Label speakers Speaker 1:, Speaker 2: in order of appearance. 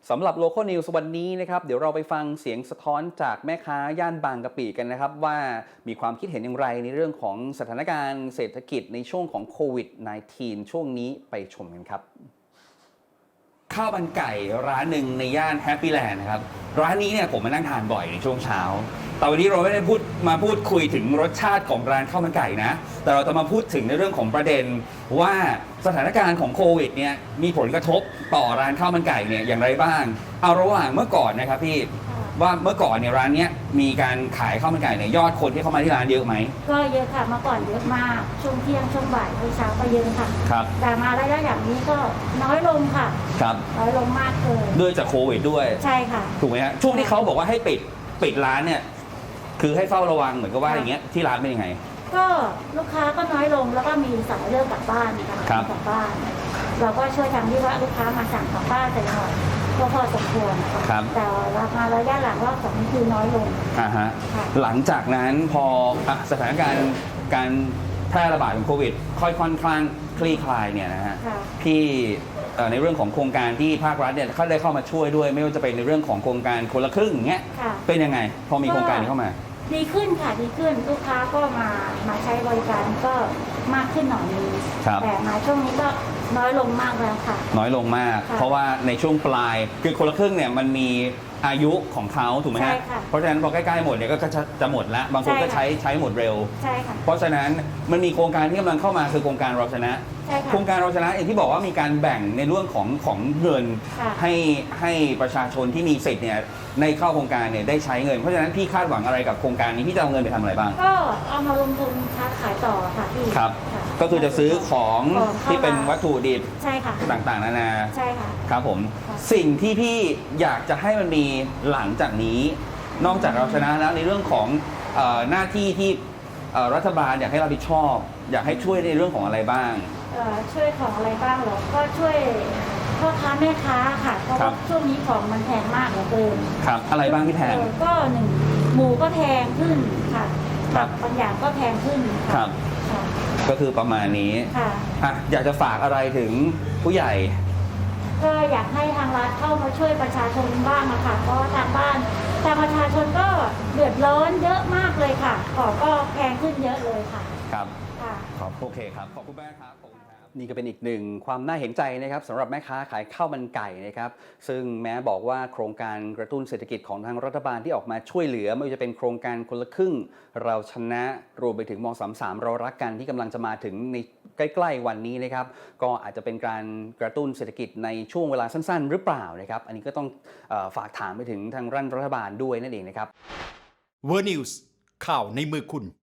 Speaker 1: สำหรับ Local News วันนี้นะครับเดี๋ยวเราไปฟังเสียงสะท้อนจากแม่ค้าย่านบางกะปิกันนะครับว่ามีความคิดเห็นอย่างไรในเรื่องของสถานการณ์เศรษฐกิจในช่วงของโควิด -19 ช่วงนี้ไปชมกันครับข้าวมันไก่ร้านหนึ่งในย่านแฮปปี้แลนด์นะครับร้านนี้เนี่ยผมมานั่งทานบ่อยในช่วงเช้าแต่วันนี้เราไม่ได้พูดคุยถึงรสชาติของร้านข้าวมันไก่นะแต่เราจะมาพูดถึงในเรื่องของประเด็นว่าสถานการณ์ของโควิดเนี่ยมีผลกระทบต่อร้านข้าวมันไก่เนี่ยอย่างไรบ้างเอาระหว่างเมื่อก่อนนะครับพี่ว่าเมื่อก่อนเนี่ยร้านเนี้ยมีการขายข้าวมันไก่เนี่ยยอดคนที่เข้ามาที่ร้านเยอะไหม
Speaker 2: ก็เยอะค่ะเมื่อก่อนเยอะมากช่วงเที่ยงช่วงบ่ายเช้าก็เยอะค่ะ
Speaker 1: ครับ
Speaker 2: แต่มาระยะอย่างนี้ก็น้อยลงค่ะ
Speaker 1: ครับ
Speaker 2: น้อยลงมากเลย
Speaker 1: ด้วยจากโควิดด้วย
Speaker 2: ใช่ค่ะ
Speaker 1: ถูกไหมฮะช่วงที่เขาบอกว่าให้ปิดร้านเนี่ยคือให้เฝ้าระวังเหมือนกับว่าอย่างเงี้ยที่ร้านเป็นยังไง
Speaker 2: ก็ลูกค้าก็น้อยลงแล้วก็มีสายเลิกกลับบ้านค่ะกลับบ้านเราก็ช่วยทำที่ว่าลูกค้ามาสั่งกลับบ้านแต่หน่อยก็พอสมควรแต่ราคาระยะหลังรอบสองคือน้อยลง
Speaker 1: ฮะหลังจากนั้นพอสถานการณ์การแพร่ระบาดของโควิดค่อนข้างคลี่คลายเนี่ยนะฮะพี่ในเรื่องของโครงการที่ภาครัฐเนี่ยเขาได้เข้ามาช่วยด้วยไม่ว่าจะเป็นในเรื่องของโครงการคนละครึ่งอย่างเงี้ยเป็นยังไงพอมีโครงการนี้เข้ามา
Speaker 2: ดีขึ้นค่ะดีขึ้นลูกค้าก็มาใช้บริการก็มากขึ้นหน่อยนึงแต่มาช่วงนี้ก็น้อยลงมากแล้วค่ะ
Speaker 1: น้อยลงมากเพราะว่าในช่วงปลายคือคนละครึ่งเนี่ยมันมีอายุของเขาถูกไหมฮะเพราะฉะนั้นพอใกล้ๆหมดเนี่ยก็จะหมดแล้วบางคนก็ใช้หมดเร็ว
Speaker 2: ใช่ค่ะ
Speaker 1: เพราะฉะนั้นมันมีโครงการที่กำลังเข้ามาคือโครงการเราชนะโครงการเราชนะอย่างที่บอกว่ามีการแบ่งในเรื่องของเงินให้ประชาชนที่มีสิทธิ์เนี่ยในเข้าโครงการเนี่ยได้ใช้เงินเพราะฉะนั้นพี่คาดหวังอะไรกับโครงการนี้พี่จะเอาเงินไปทำอะไรบ้าง
Speaker 2: ก็เอามาลงทุนค้าขายต่อค่ะพี่
Speaker 1: ครับก็คือจะซื้อของที่เป็นวัตถุดิบ
Speaker 2: ใช่ค่ะ
Speaker 1: ต่างๆนานา
Speaker 2: ใช่ค่ะ
Speaker 1: ครับผมสิ่งที่พี่อยากจะให้มันมีหลังจากนี้นอกจากเราชนะแล้วในเรื่องของหน้าที่ที่รัฐบาลอยากให้รับผิดชอบอยากให้ช่วยในเรื่องของอะไรบ้าง
Speaker 2: ช่วยของอะไรบ้างเหรอก็ช่วยพ่อค้าแม่ค้าค่ะเพราะว่าช่วงนี้ของมันแพงมากเหลือเกิน
Speaker 1: ครับอะไรบ้างที่แพง
Speaker 2: ก็หนึ่งหมูก็แพงขึ้นค่ะบางอย่างก็แพงขึ้น
Speaker 1: ครับก็คือประมาณนี้
Speaker 2: ค่ะ
Speaker 1: อยากจะฝากอะไรถึงผู้ใหญ่
Speaker 2: ก็อยากให้ทางรัฐเข้ามาช่วยประชาชนบ้างนะคะเพราะทางประชาชนก็เดือดร้อนเยอะมากเลยค่ะของก็แพงขึ้นเยอะเลยค่ะ
Speaker 1: ครับโอเคครับขอบคุณมากครับนี่ก็เป็นอีกหนึ่งความน่าเห็นใจนะครับสำหรับแม่ค้าขายข้าวมันไก่นะครับซึ่งแม้บอกว่าโครงการกระตุ้นเศรษฐกิจของทางรัฐบาลที่ออกมาช่วยเหลือไม่ว่าจะเป็นโครงการคนละครึ่งเราชนะรวมไปถึงม.33เรารักกันที่กำลังจะมาถึงในใกล้ๆวันนี้นะครับก็อาจจะเป็นการกระตุ้นเศรษฐกิจในช่วงเวลาสั้นๆหรือเปล่านะครับอันนี้ก็ต้องฝากถามไปถึงทางรัฐบาลด้วยนั่นเองนะครับ
Speaker 3: World News ข่าวในมือคุณ